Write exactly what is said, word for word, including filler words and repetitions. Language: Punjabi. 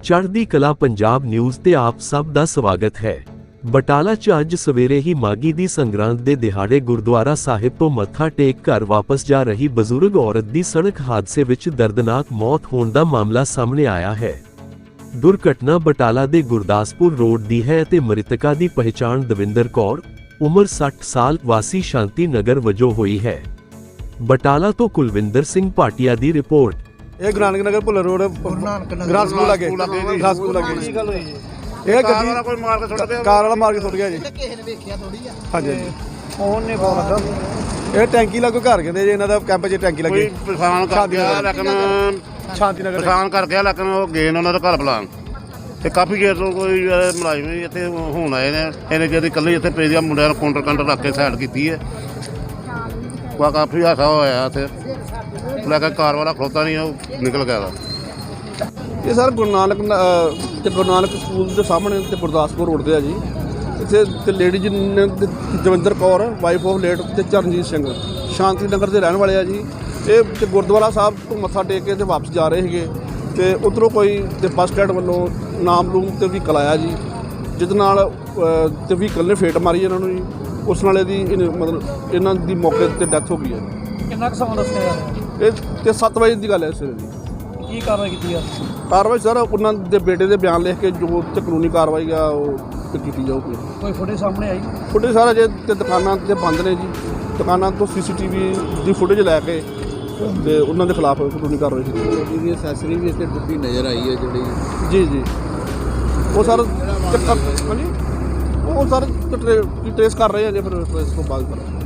ਚੜ੍ਹਦੀ ਕਲਾ ਪੰਜਾਬ ਨਿਊਜ਼ ਤੇ ਆਪ ਸਭ ਦਾ ਸਵਾਗਤ ਹੈ। ਬਟਾਲਾ 'ਚ ਅੱਜ ਸਵੇਰੇ ਹੀ ਮਾਘੀ ਦੀ ਸੰਗਰਾਂਦ ਦੇ ਦਿਹਾੜੇ ਗੁਰਦੁਆਰਾ ਸਾਹਿਬ ਤੋਂ ਮੱਥਾ ਟੇਕ ਘਰ ਵਾਪਸ ਜਾ ਰਹੀ ਬਜ਼ੁਰਗ ਔਰਤ ਦੀ ਸੜਕ ਹਾਦਸੇ ਵਿੱਚ ਦਰਦਨਾਕ ਮੌਤ ਹੋਣ ਦਾ ਮਾਮਲਾ ਸਾਹਮਣੇ ਆਇਆ ਹੈ। ਦੁਰਘਟਨਾ ਬਟਾਲਾ ਦੇ ਗੁਰਦਾਸਪੁਰ ਰੋਡ ਦੀ ਹੈ ਅਤੇ ਮ੍ਰਿਤਕਾ ਦੀ ਪਹਿਚਾਣ ਦਵਿੰਦਰ ਕੌਰ, ਉਮਰ ਸੱਠ ਸਾਲ, ਵਾਸੀ ਸ਼ਾਂਤੀ ਨਗਰ ਵਜੋਂ ਹੋਈ ਹੈ। ਬਟਾਲਾ ਤੋਂ ਕੁਲਵਿੰਦਰ ਸਿੰਘ ਭਾਟੀਆ ਦੀ ਰਿਪੋਰਟ। ਇਹ ਗੁਰੂ ਨਾਨਕ ਨਗਰ ਭੁੱਲਰ ਰੋਡ ਗ੍ਰਾਸ ਸਕੂਲ ਲੱਗੇ ਗ੍ਰਾਸ ਸਕੂਲ ਲੱਗੇ ਕੀ ਗੱਲ ਹੋਈ ਜੀ? ਇਹ ਗੱਡੀ ਵਾਲਾ ਕੋਈ ਮਾਰ ਕੇ ਸੁੱਟ ਗਿਆ, ਕਾਰ ਵਾਲਾ ਮਾਰ ਕੇ ਸੁੱਟ ਗਿਆ ਜੀ। ਕਿਸੇ ਨੇ ਵੇਖਿਆ ਥੋੜੀ ਆ। ਹਾਂਜੀ ਫੋਨ ਨੇ ਫੋਨ ਲੱਗਾ। ਇਹ ਟੈਂਕੀ ਲੱਗੋ ਘਰ ਕਹਿੰਦੇ ਜੀ, ਇਹਨਾਂ ਦਾ ਕੈਂਪ 'ਚ ਟੈਂਕੀ ਲੱਗੀ। ਪਛਾਣ ਕਰ ਗਿਆ ਲੇਕਿਨ ਸ਼ਾਂਤੀ ਨਗਰ ਪਛਾਣ ਕਰ ਗਿਆ ਲੇਕਿਨ ਉਹ ਗਏ ਨੇ ਉਹਨਾਂ ਦਾ ਘਰ ਬੁਲਾਉਣ ਤੇ ਕਾਫੀ ਚਿਰ ਤੋਂ ਕੋਈ ਮੁਲਾਜ਼ਮ ਇੱਥੇ ਹੁਣ ਆਏ ਨੇ। ਇਹਨੇ ਜਿਹੜੀ ਇਕੱਲੇ ਇੱਥੇ ਪੇਜਿਆ ਮੁੰਡਿਆਂ ਨੂੰ ਕਾਊਂਟਰ ਕਾਊਂਟਰ ਰੱਖ ਕੇ ਸਾਈਡ ਕੀਤੀ ਹੈ। ਕਾ ਕਾਫੀ ਹਾਸਾ ਹੋਇਆ ਇੱਥੇ, ਲੈ ਕੇ ਕਾਰ ਵਾਲਾ ਖਲੋਤਾ ਨਹੀਂ, ਉਹ ਨਿਕਲ ਗਿਆ। ਇਹ ਸਰ ਗੁਰੂ ਨਾਨਕ ਤੇ ਗੁਰੂ ਨਾਨਕ ਸਕੂਲ ਦੇ ਸਾਹਮਣੇ ਤੇ ਗੁਰਦਾਸਪੁਰ ਰੋਡ ਤੇ ਆ ਜੀ। ਇੱਥੇ ਤੇ ਲੇਡੀ ਜੀ ਨੇ Davinder Kaur wife of late ਤੇ ਚਰਨਜੀਤ ਸਿੰਘ ਸ਼ਾਂਤੀ ਨਗਰ ਦੇ ਰਹਿਣ ਵਾਲੇ ਆ ਜੀ। ਇਹ ਤੇ ਗੁਰਦੁਆਰਾ ਸਾਹਿਬ ਤੋਂ ਮੱਥਾ ਟੇਕ ਕੇ ਤੇ ਵਾਪਸ ਜਾ ਰਹੇ ਸੀਗੇ ਤੇ ਉੱਧਰੋਂ ਕੋਈ ਤੇ ਬੱਸ ਸਟੈਂਡ ਵੱਲੋਂ ਨਾਮ ਲੂਮ ਤੇ ਵਹੀਕਲ ਆਇਆ ਜੀ, ਜਿਹਦੇ ਨਾਲ ਤੇ ਵਹੀਕਲ ਨੇ ਫੇਟ ਮਾਰੀ ਇਹਨਾਂ ਨੂੰ ਜੀ। ਉਸ ਨਾਲ ਇਹਦੀ ਮਤਲਬ ਇਹਨਾਂ ਦੀ ਮੌਕੇ 'ਤੇ ਡੈਥ ਹੋ ਗਈ ਹੈ। ਕਿੰਨਾ ਕੁ ਸਮਾਂ ਦੱਸਿਆ ਯਾਰ? ਇਹ ਤੇ ਸੱਤ ਵਜੇ ਦੀ ਗੱਲ ਹੈ ਸਵੇਰੇ ਦੀ। ਕੀ ਕਾਰਵਾਈ ਕੀਤੀ ਆ? ਕਾਰਵਾਈ ਸਰ ਉਹਨਾਂ ਦੇ ਬੇਟੇ ਦੇ ਬਿਆਨ ਲਿਖ ਕੇ ਜੋ ਤੇ ਕਾਨੂੰਨੀ ਕਾਰਵਾਈ ਆ ਉਹ ਤੇ ਕੀਤੀ ਜਾਊਗੀ। ਕੋਈ ਫੁਟੇਜ ਸਾਹਮਣੇ ਆਈ? ਫੁਟੇਜ ਸਾਰਾ ਜੇ ਤੇ ਦੁਕਾਨਾਂ ਤੇ ਬੰਦ ਨੇ ਜੀ। ਦੁਕਾਨਾਂ ਤੋਂ ਸੀਸੀਟੀਵੀ ਦੀ ਫੁਟੇਜ ਲੈ ਕੇ ਤੇ ਉਹਨਾਂ ਦੇ ਖਿਲਾਫ ਕਾਨੂੰਨੀ ਕਾਰਵਾਈ ਕੀਤੀ। ਜਿਹਦੀ ਅਸੈਸਰੀ ਵੀ ਇੱਥੇ ਟੁੱਟੀ ਨਜ਼ਰ ਆਈ ਹੈ ਜਿਹੜੀ। ਜੀ ਜੀ ਉਹ ਸਰ ਹਾਂਜੀ ਉਹ ਸਰ ਟਰੇਸ ਕਰ ਰਹੇ ਆ ਜੇ ਫਿਰ ਇਸ ਤੋਂ ਬਾਅਦ ਕਰਾਂਗੇ।